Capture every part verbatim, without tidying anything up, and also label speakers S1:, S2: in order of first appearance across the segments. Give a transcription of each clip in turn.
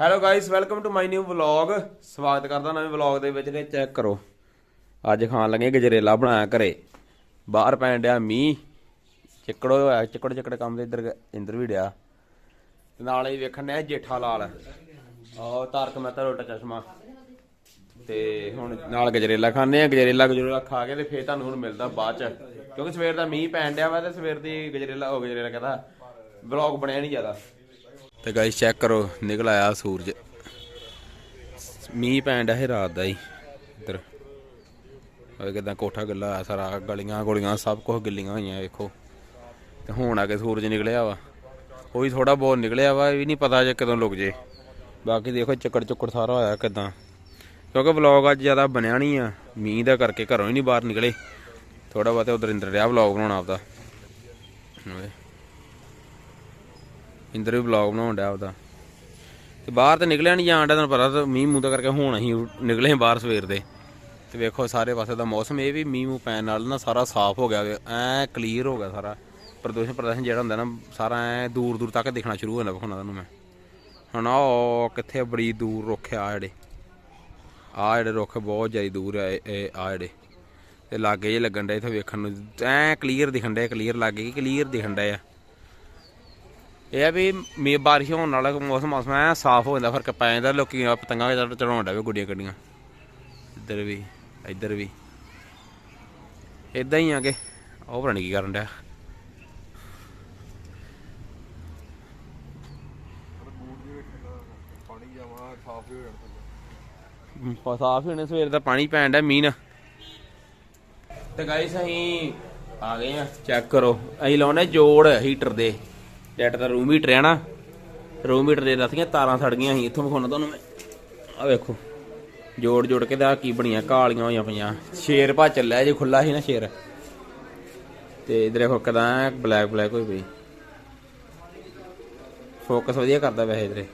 S1: Hello guys, welcome to my new vlog. ਸਵਾਗਤ ਕਰਦਾ ਨਵੇਂ ਵਲੌਗ ਦੇ ਵਿੱਚ। ਨੇ ਚੈੱਕ ਕਰੋ, ਅੱਜ ਖਾਣ ਲੱਗੇ ਗਜਰੇਲਾ ਬਣਾਇਆ ਘਰੇ। ਬਾਹਰ ਪੈਣ ਡਿਆ ਮੀਂਹ, ਚਿੱਕੜ ਹੋਇਆ, ਚਿੱਕੜ ਚਿੱਕੜ ਕੰਮ ਤੇ ਇੱਧਰ ਇੰਦਰ ਵੀ ਡਿਆ। ਤੇ ਨਾਲ ਹੀ ਵੇਖਣ ਡਿਆ ਜੇਠਾ ਲਾਲ, ਆਹ ਤਾਰਕ ਮਹਿਤਾ ਉਲਟਾ ਚਸ਼ਮਾ। ਤੇ ਹੁਣ ਨਾਲ ਗਜਰੇਲਾ ਖਾਂਦੇ ਆ। ਗਜਰੇਲਾ ਗਜਰੇਲਾ ਖਾ ਕੇ ਤੇ ਫੇਰ ਤੁਹਾਨੂੰ ਹੁਣ ਮਿਲਦਾ ਬਾਅਦ ਚ, ਕਿਉਂਕਿ ਸਵੇਰ ਦਾ ਮੀਂਹ ਪੈਣ ਡਿਆ ਵਾ ਤੇ ਸਵੇਰ ਦੀ ਗਜਰੇਲਾ ਹੋ ਗਜਰੇਲਾ ਕਹਿੰਦਾ ਵਲੌਗ ਬਣਿਆ ਨਹੀਂ ਜ਼ਿਆਦਾ। ਤੇ ਗਾਇਸ ਚੈੱਕ ਕਰੋ, ਨਿਕਲ ਆਇਆ ਸੂਰਜ। ਮੀਂਹ ਪੈਣ ਡਿਆ ਸੀ ਰਾਤ ਦਾ ਹੀ ਇੱਧਰ। ਕਿੱਦਾਂ ਕੋਠਾ ਗਿੱਲਾ ਹੋਇਆ ਸਾਰਾ, ਗਲੀਆਂ ਗੁਲੀਆਂ ਸਭ ਕੁਛ ਗਿੱਲੀਆਂ ਹੋਈਆਂ ਵੇਖੋ। ਤੇ ਹੁਣ ਆ ਕੇ ਸੂਰਜ ਨਿਕਲਿਆ ਵਾ, ਉਹ ਵੀ ਥੋੜਾ ਬਹੁਤ ਨਿਕਲਿਆ ਵਾ, ਇਹ ਵੀ ਨਹੀਂ ਪਤਾ ਜੇ ਕਦੋਂ ਲੁਕ ਜੇ। ਬਾਕੀ ਦੇਖੋ ਚੱਕੜ ਚੁੱਕੜ ਸਾਰਾ ਹੋਇਆ ਕਿੱਦਾਂ, ਕਿਉਂਕਿ ਵਲੌਗ ਅੱਜ ਜ਼ਿਆਦਾ ਬਣਿਆ ਨਹੀਂ ਆ ਮੀਂਹ ਦਾ ਕਰਕੇ, ਘਰੋਂ ਹੀ ਨਹੀਂ ਬਾਹਰ ਨਿਕਲੇ। ਥੋੜਾ ਬਹੁਤ ਉਧਰ ਇੰਦਰ ਰਿਹਾ ਵਲੌਗ ਬਣਾਉਣਾ ਆਪਦਾ, ਇੰਦਰ ਵੀ ਵਲੌਗ ਬਣਾਉਣ ਡਿਆ ਆਪਦਾ। ਤੇ ਬਾਹਰ ਤਾਂ ਨਿਕਲਿਆ ਨਹੀਂ ਜਾਣ ਡਿਆ, ਤੁਹਾਨੂੰ ਪਤਾ ਮੀਂਹ ਮੂੰਹ ਦਾ ਕਰਕੇ। ਹੁਣ ਅਸੀਂ ਨਿਕਲੇ ਬਾਹਰ ਸਵੇਰ ਦੇ। ਤੇ ਵੇਖੋ ਸਾਰੇ ਪਾਸੇ ਦਾ ਮੌਸਮ, ਇਹ ਵੀ ਮੀਂਹ ਮੂੰਹ ਪੈਣ ਨਾਲ ਨਾ ਸਾਰਾ ਸਾਫ਼ ਹੋ ਗਿਆ, ਐਂ ਕਲੀਅਰ ਹੋ ਗਿਆ ਸਾਰਾ। ਪ੍ਰਦੂਸ਼ਣ ਪ੍ਰਦੂਸ਼ਣ ਜਿਹੜਾ ਹੁੰਦਾ ਨਾ ਸਾਰਾ ਐਂ ਦੂਰ ਦੂਰ ਤੱਕ ਦਿਖਣਾ ਸ਼ੁਰੂ ਹੋ ਜਾਂਦਾ। ਵਿਖਾਉਣਾ ਤੁਹਾਨੂੰ ਮੈਂ ਹੁਣ, ਉਹ ਕਿੱਥੇ ਬੜੀ ਦੂਰ ਰੁੱਖ ਆ ਜਿਹੜੇ, ਆਹ ਜਿਹੜੇ ਰੁੱਖ ਬਹੁਤ ਜ਼ਿਆਦਾ ਦੂਰ ਆ ਇਹ ਆਹ ਜਿਹੜੇ, ਤੇ ਲਾਗੇ ਜਿਹੇ ਲੱਗਣ ਡੇ ਇੱਥੇ ਵੇਖਣ ਨੂੰ ਐਂ ਕਲੀਅਰ ਦਿਖਣ ਡੇ, ਕਲੀਅਰ ਲਾਗੇ ਕਿ ਕਲੀਅਰ ਦਿਖਣ ਡੇ ਆ। ਇਹ ਆ ਵੀ ਮੀਂਹ ਬਾਰਿਸ਼ ਹੋਣ ਨਾਲ ਮੌਸਮ ਮੌਸਮ ਐ ਸਾਫ਼ ਹੋ ਜਾਂਦਾ, ਫਰਕ ਪੈ ਜਾਂਦਾ। ਲੋਕੀ ਪਤੰਗਾਂ ਚੜਾਉਣ ਡੇ ਗੁੱਡੀਆਂ ਗੱਡੀਆਂ, ਇੱਧਰ ਵੀ ਇੱਧਰ ਵੀ ਇੱਦਾਂ ਹੀ ਆ ਕੇ। ਉਹ ਪਤਾ ਨੀ ਕੀ ਕਰਨ ਡਿਆ। ਸਾਫ਼ ਹੀ ਹੋਣੇ, ਸਵੇਰ ਦਾ ਪਾਣੀ ਪੈਣ ਡਿਆ ਮੀਂਹ ਨਾਲ। ਤੇ ਗਾਇਸ ਅਸੀਂ ਆ ਗਏ ਆ, ਚੈੱਕ ਕਰੋ। ਅਸੀਂ ਲਾਉਣੇ ਜੋੜ ਹੀਟਰ ਦੇ, ਜੈਟ ਦਾ ਰੂਮ ਹੀਟਰ ਆ ਨਾ, ਰੂਮ ਹੀਟਰ ਦੇ ਦੱਸੀਆਂ ਤਾਰਾਂ ਸੜ ਗਈਆਂ ਸੀ। ਇੱਥੋਂ ਵਿਖਾਉਣਾ ਤੁਹਾਨੂੰ ਮੈਂ, ਆਹ ਵੇਖੋ ਜੋੜ ਜੋੜ ਕੇ ਤਾਂ ਕੀ ਬਣੀਆਂ, ਕਾਲੀਆਂ ਹੋਈਆਂ ਪਈਆਂ। ਸ਼ੇਰ ਭਾ ਚੱਲਿਆ ਜੇ, ਖੁੱਲਾ ਸੀ ਨਾ ਸ਼ੇਰ। ਤੇ ਇਧਰ ਦੇਖੋ ਕਿਦਾਂ ਬਲੈਕ ਬਲੈਕ ਹੋਈ ਪਈ। ਫੋਕਸ ਵਧੀਆ ਕਰਦਾ ਵੈਸੇ ਇਧਰੇ।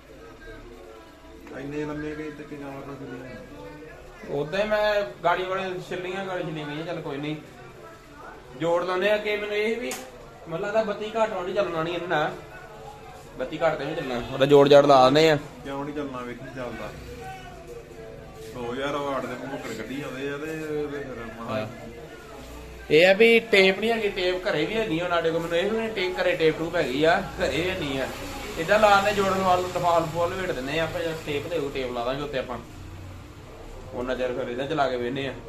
S1: ਉਦਾਂ ਹੀ ਮੈਂ ਗਾੜੀ ਵਾਲੇ ਛਿੱਲੀਆਂ ਗਾੜੀ ਛਿੱਲੀਆਂ ਗਈਆਂ, ਚੱਲ ਕੋਈ ਨਹੀਂ ਜੋੜ ਲਾਉਂਦੇ ਆ। ਕਿ ਮੈਨੂੰ ਇਹ ਵੀ ਮੈਨੂੰ ਲੱਗਦਾ ਬੱਤੀ ਘੱਟ ਵਾਲੀ ਚੱਲਣਾ ਨਹੀਂ ਇਹਨਾਂ, ਬੱਤੀ ਘੱਟ ਤੇ ਨਹੀਂ ਚੱਲਣਾ, ਉਹਦਾ ਜੋੜ ਜਾੜ ਲਾ ਦਿੰਦੇ ਆ।
S2: ਕਿਉਂ ਨਹੀਂ ਚੱਲਣਾ, ਵੇਖੀ ਚੱਲਦਾ ਦੋ ਹਜ਼ਾਰ ਵਾਟ ਦੇ ਭੁੱਕੜ ਕੱਢੀ ਜਾਂਦੇ ਆ। ਤੇ
S1: ਇਹ ਆ ਵੀ ਟੇਪ ਨਹੀਂ ਹੈਗੀ, ਟੇਪ ਘਰੇ ਵੀ ਹੈਗੀ ਸਾਡੇ ਕੋਲ। ਮੈਨੂੰ ਇਹ ਵੀ ਟੇਪ ਘਰੇ ਟੇਪ ਟੂਪ ਹੈਗੀ ਆ, ਘਰੇ ਵੀ ਨਹੀਂ ਆ। ਇੱਦਾਂ ਲਾਉਂਦੇ ਜੋੜਨ ਵਾਲ ਟਫਾਲ ਫੁੱਲ ਵੇਟ ਦਿੰਦੇ ਆ ਆਪਾਂ। ਟੇਪ ਦੇ ਟੇਪ ਲਾ ਦਾਂਗੇ ਉੱਤੇ ਆਪਾਂ, ਉਹਨਾਂ ਚਿਰ ਫਿਰ ਇਹਦਾ ਚਲਾ ਕੇ ਵੇਹਨੇ ਆ।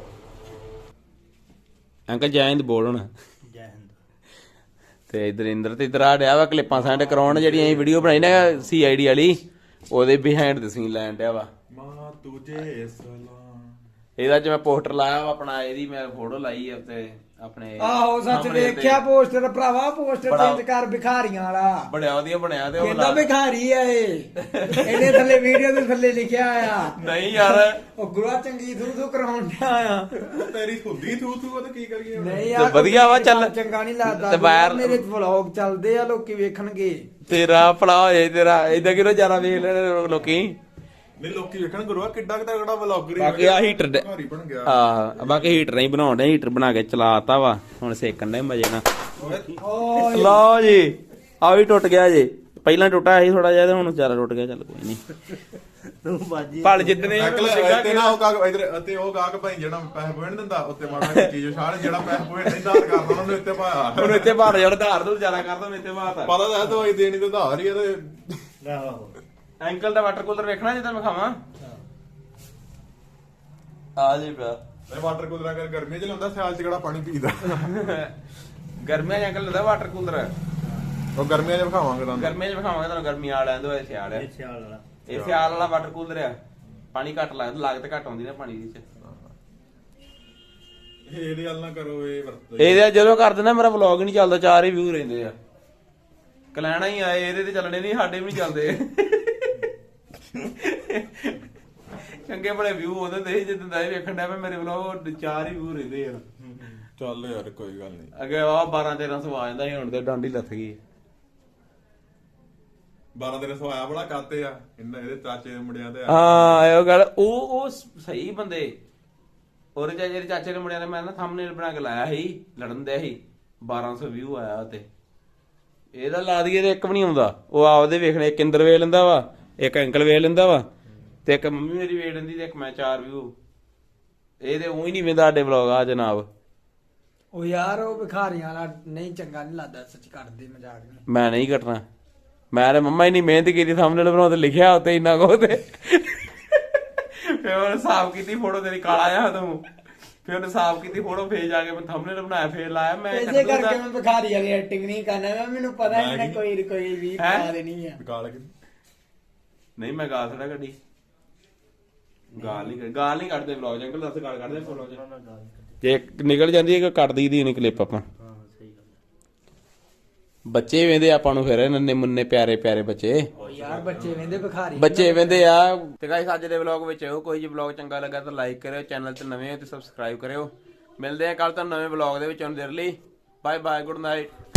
S1: ਅੰਕਲ ਜੈ ਹਿੰਦ ਬੋਲ ਹੁਣ।
S3: ਜੈ ਹਿੰਦ।
S1: ਤੇ ਇਧਰ ਇੰਦਰ ਤੇ ਇਧਰ ਆ ਡਿਆ ਵਾ ਕਲਿੱਪਾਂ ਸੈਂਡ ਕਰਾਉਣ, ਜਿਹੜੀਆਂ ਅਸੀਂ ਵੀਡੀਓ ਬਣਾਈ ਨਾ ਸੀ ਆਈ ਡੀ ਵਾਲੀ, ਉਹਦੇ ਬਿਹਾਈਂਡ ਦ ਸੀਨ ਲੈਣ ਡਿਆ ਵਾ।
S2: ਮਾਂ ਤੁਝੇ ਸਲਾਮ,
S1: ਇਹਦਾ ਚ ਮੈਂ ਪੋਸਟਰ ਲਾਇਆ ਵਾ ਆਪਣਾ, ਇਹਦੀ ਮੈਂ ਫੋਟੋ ਲਾਈ ਆ ਤੇ ਆਪਣੇ।
S3: ਆਹੋ ਸੱਚ ਵੇਖਿਆ ਪੋਸਟਰ ਭਰਾਵਾ, ਪੋਸਟਰ ਚੇਂਜ ਕਰ ਭਿਖਾਰੀਆਂ ਵਾਲਾ,
S1: ਬੜਿਆ ਵਧੀਆ ਬਣਿਆ। ਤੇ ਉਹ
S3: ਕਹਿੰਦਾ ਭਿਖਾਰੀ ਆ ਇਹ, ਇਹਨੇ ਥੱਲੇ ਵੀਡੀਓ ਦੇ ਥੱਲੇ ਲਿਖਿਆ ਆ।
S1: ਨਹੀਂ ਯਾਰ,
S3: ਉਹ ਗੁਰੂਆ ਚੰਗੀ ਥੂ ਥੂ ਕਰਾਉਣ ਡਿਆ ਆ।
S2: ਤੇਰੀ ਹੁੰਦੀ ਥੂ ਥੂ ਤੇ ਕੀ ਕਰੀਏ ਹੁਣ?
S3: ਨਹੀਂ ਯਾਰ
S1: ਵਧੀਆ ਵਾ, ਚੱਲ
S3: ਚੰਗਾ ਨਹੀਂ ਲੱਗਦਾ।
S1: ਤੇ ਬਾਹਰ
S3: ਮੇਰੇ ਵਲੌਗ ਚੱਲਦੇ ਆ, ਲੋਕੀ ਵੇਖਣਗੇ।
S1: ਤੇਰਾ ਭਲਾ ਹੋਏ ਤੇਰਾ, ਏਦਾਂ ਕਿਉਂ ਜ਼ਿਆਦਾ ਵੇਖ ਲੈਣ ਲੋਕੀ।
S2: ਨਹੀਂ ਲੋਕੀ ਵੇਖਣ ਗੁਰੂਆ ਕਿੱਡਾ ਕਿੱਡਾ ਕਿਹੜਾ ਵਲੌਗਰ
S1: ਬਾਕੀ ਆ ਹੀਟਰ
S2: ਘਰ ਹੀ ਬਣ ਗਿਆ।
S1: ਹਾਂ ਬਾਕੀ ਹੀਟਰ ਨਹੀਂ ਬਣਾਉਣ ਡਿਆ, ਹੀਟਰ ਬਣਾ ਕੇ ਚਲਾਤਾ ਵਾ, ਹੁਣ ਸੇਕਣ ਦੇ ਮਜੇ ਨਾਲ।
S3: ਓ
S1: ਲਓ ਜੀ, ਆ ਵੀ ਟੁੱਟ ਗਿਆ ਜੇ। ਪਹਿਲਾਂ ਟੁੱਟਾ ਸੀ ਥੋੜਾ ਜਿਹਾ, ਤੇ ਹੁਣ ਜ਼ਿਆਦਾ ਟੁੱਟ ਗਿਆ। ਚੱਲ ਕੋਈ ਨਹੀਂ,
S3: ਤੂੰ ਬਾਜੀ
S1: ਪਲ ਜਿੱਤਨੇ
S2: ਤੇ ਨਾ ਉਹ ਕਾਗ ਇਧਰ ਅਤੇ ਉਹ ਕਾਗ ਭਾਈ ਜਿਹੜਾ ਪੈਸੇ ਪੋਣ ਦਿੰਦਾ ਉੱਤੇ ਮਾੜਾ ਚੀਜ਼ ਛਾੜ, ਜਿਹੜਾ ਪੈਸੇ ਪੋਣ ਨਹੀਂ ਦਾਰ ਕਰਦਾ ਉਹਨਾਂ ਨੂੰ ਉੱਤੇ ਪਾਇਆ।
S1: ਹੁਣ ਇੱਥੇ ਭਾਰ ਜਿਹੜਾ ਧਾਰ ਤੋਂ ਜ਼ਿਆਦਾ ਕਰਦਾ, ਮੈਂ ਇੱਥੇ ਭਾਰ
S2: ਪਤਾ ਤਾਂ ਦਵਾਈ ਦੇਣੀ ਤੇ ਧਾਰ ਹੀ ਆ। ਤੇ
S3: ਆਹੋ
S1: ਐਂਕਲ ਦਾ ਵਾਟਰ ਕੂਲਰ ਵੇਖਣਾ ਜਿੱਦਾਂ ਮੈਂ ਖਾਵਾਂ ਆ ਜੀ ਪਿਆ।
S2: ਇਹ ਵਾਟਰ ਕੂਲਰ ਅਗਰ ਗਰਮੀ ਚ ਲਾਉਂਦਾ, ਸਿਆਲ ਚ ਕਿਹੜਾ ਪਾਣੀ ਪੀਦਾ।
S1: ਗਰਮੀਆਂ ਚ ਐਂਕਲ ਲੈਂਦਾ ਵਾਟਰ ਕੂਲਰ,
S2: ਉਹ ਗਰਮੀਆਂ ਚ ਵਿਖਾਵਾਂਗੇ ਤੁਹਾਨੂੰ।
S1: ਗਰਮੀਆਂ ਚ ਵਿਖਾਵਾਂਗੇ ਤੁਹਾਨੂੰ। ਗਰਮੀ ਆ ਲੈਂਦੋ, ਇਹ ਸਿਆਲ ਹੈ।
S3: ਸਿਆਲ ਵਾਲਾ,
S1: ਇਹ ਸਿਆਲ ਵਾਲਾ ਵਾਟਰ ਕੂਲਰ ਆ। ਪਾਣੀ ਘੱਟ ਲੱਗਦਾ, ਲਾਗਤ ਘੱਟ ਆਉਂਦੀ ਨਾ ਪਾਣੀ ਦੀ ਚ।
S2: ਇਹਦੀ ਗੱਲ ਨਾ ਕਰੋ, ਇਹ ਵਰਤੋ
S1: ਇਹਦੇ ਜਦੋਂ ਕਰ ਦਿੰਦਾ ਮੇਰਾ ਵਲੌਗ ਹੀ ਨਹੀਂ ਚੱਲਦਾ, ਚਾਰ ਹੀ ਵਿਊ ਰਹਿੰਦੇ ਆ। ਕਲੈਣਾ ਹੀ ਆਏ, ਇਹਦੇ ਤੇ ਚੱਲਣੇ ਨਹੀਂ, ਸਾਡੇ ਵੀ ਨਹੀਂ ਚੱਲਦੇ। ਚੰਗੇ ਬੜੇ ਵਿਊ ਉਹਦੇ ਤੇ ਜਿੱਦਾਂ ਦਾ ਇਹ ਵੇਖਣ ਡਿਆ ਮੈਂ, ਮੇਰੇ ਵਲੌਗ ਚਾਰ ਹੀ ਵਿਊ ਰਹਿੰਦੇ ਆ।
S2: ਚੱਲ ਯਾਰ ਕੋਈ ਗੱਲ ਨਹੀਂ।
S1: ਅੱਗੇ ਆ ਬਾਰਾਂ ਤੇਰਾਂ ਸੌ ਆ ਜਾਂਦਾ ਸੀ, ਹੁਣ ਤੇ ਡਾਂਡੀ ਲੱਥ ਗਈ।
S2: ਬਾਰਾਂ ਦਿਨ ਸਵਾਇਆ ਬੜਾ ਕਾਤੇ ਆ ਇਹਨਾਂ, ਇਹਦੇ ਚਾਚੇ ਦੇ ਮੁੰਡਿਆਂ ਤੇ।
S1: ਹਾਂ ਉਹ ਗੱਲ, ਉਹ ਉਹ ਸਹੀ ਬੰਦੇ। ਉਹਦੇ ਚਾਚੇ ਦੇ ਚਾਚੇ ਦੇ ਮੁੰਡਿਆਂ ਨੇ ਮੈਂ ਨਾ ਥੰਬਨੇਲ ਬਣਾ ਕੇ ਲਾਇਆ ਸੀ, ਲੜਨ ਦੇ ਸੀ। ਬਾਰਾਂ ਸੌ ਵਿਊ ਆਇਆ ਤੇ ਇਹਦਾ ਲਾ ਦਈਏ ਤੇ ਇੱਕ ਵੀ ਨਹੀਂ ਆਉਂਦਾ। ਉਹ ਆਪਦੇ ਵੇਖਣੇ, ਕਿੰਦਰ ਵੇਖ ਲੈਂਦਾ ਵਾ, ਇੱਕ ਅੰਕਲ ਵੇਖ ਲੈਂਦਾ ਵਾ ਤੇ ਇੱਕ ਮੰਮੀ ਮੇਰੀ ਵੇਖ ਲੈਂਦੀ ਤੇ ਇੱਕ ਮੈਂ ਚਾਰ ਵਿਊ ਇਹ ਤੇ ਉਹੀ ਨਹੀਂ ਵੇਂਦਾ ਸਾਡੇ ਵਲੌਗ ਆ ਜਨਾਬ।
S3: ਉਹ ਯਾਰ ਉਹ ਭਿਖਾਰੀਆਂ ਵਾਲਾ ਨਹੀਂ ਚੰਗਾ ਨਹੀਂ ਲੱਗਦਾ, ਸੱਚ ਕਰਦੇ ਮਜ਼ਾਕ ਨਹੀਂ।
S1: ਮੈਂ ਨਹੀਂ ਕੱਟਣਾ, ਮੈਂ ਤੇ ਮੰਮਾ ਇੰਨੀ ਮਿਹਨਤ ਕੀਤੀ ਸਾਹਮਣੇ ਬਣਾਉਣ ਤੇ ਲਿਖਿਆ ਉੱਤੇ ਇੰਨਾ ਕੁ ਤੇ ਫਿਰ ਉਹਨੇ ਸਾਫ਼ ਕੀਤੀ ਫੋਟੋ ਤੇਰੀ ਕਾਲਾ ਆ ਤੂੰ, ਫਿਰ ਉਹਨੇ ਸਾਫ਼ ਕੀਤੀ ਫੋਟੋ ਫੇਰ ਜਾ ਕੇ ਮੈਂ ਥੰਬਨੇਲ ਬਣਾਇਆ ਫੇਰ ਲਾਇਆ ਮੈਂ
S3: ਇਸੇ ਕਰਕੇ ਮੈਂ ਭਿਖਾਰੀ ਵਾਲੀ ਐਕਟਿੰਗ ਨਹੀਂ ਕਰਨਾ, ਮੈਂ ਮੈਨੂੰ ਪਤਾ ਇਹਨੇ ਕੋਈ ਕੋਈ ਵੀ ਪਾ ਦੇਣੀ ਆ।
S2: ਗਾਲ ਕੇ
S1: ਨਹੀਂ ਮੈਂ ਗਾਲ ਥੋੜਾ ਕੱਢੀ, ਗਾਲ ਨਹੀਂ ਗਾਲ ਨਹੀਂ ਕੱਢਦੇ ਵਲੌਗ ਅੰਕਲ ਦੱਸ ਗਾਲ ਕੱਢਦੇ ਵਲੌਗ ਜੇ ਨਿਕਲ ਜਾਂਦੀ ਹੈ ਕੱਢਦੀ ਦੀ ਨਹੀਂ ਕਲਿੱਪ ਆਪਾਂ। ਬੱਚੇ ਵੇਂਦੇ ਆਪਾਂ ਨੂੰ ਫਿਰ ਨੰਨੇ ਮੁੰਨੇ ਪਿਆਰੇ ਪਿਆਰੇ ਬੱਚੇ
S3: ਯਾਰ ਬੱਚੇ ਵੇਂਦੇ ਭਿਖਾਰੀ
S1: ਬੱਚੇ ਵੇਂਦੇ ਆ। ਤੇ ਗਾਇਸ ਅੱਜ ਦੇ ਵਲੌਗ ਵਿੱਚ ਇਹੋ ਕੋਈ ਜੀ ਵਲੌਗ ਚੰਗਾ ਲੱਗਾ ਤਾਂ ਲਾਈਕ ਕਰਿਓ, ਚੈਨਲ ਤੇ ਨਵੇਂ ਹੋ ਤੇ ਸਬਸਕ੍ਰਾਈਬ ਕਰਿਓ। ਮਿਲਦੇ ਆ ਕੱਲ ਤੁਹਾਨੂੰ ਨਵੇਂ ਵਲੌਗ ਦੇ ਵਿੱਚ, ਹੁਣ ਦੇਰ ਲਈ ਬਾਏ ਬਾਏ, ਗੁੱਡ ਨਾਈਟ।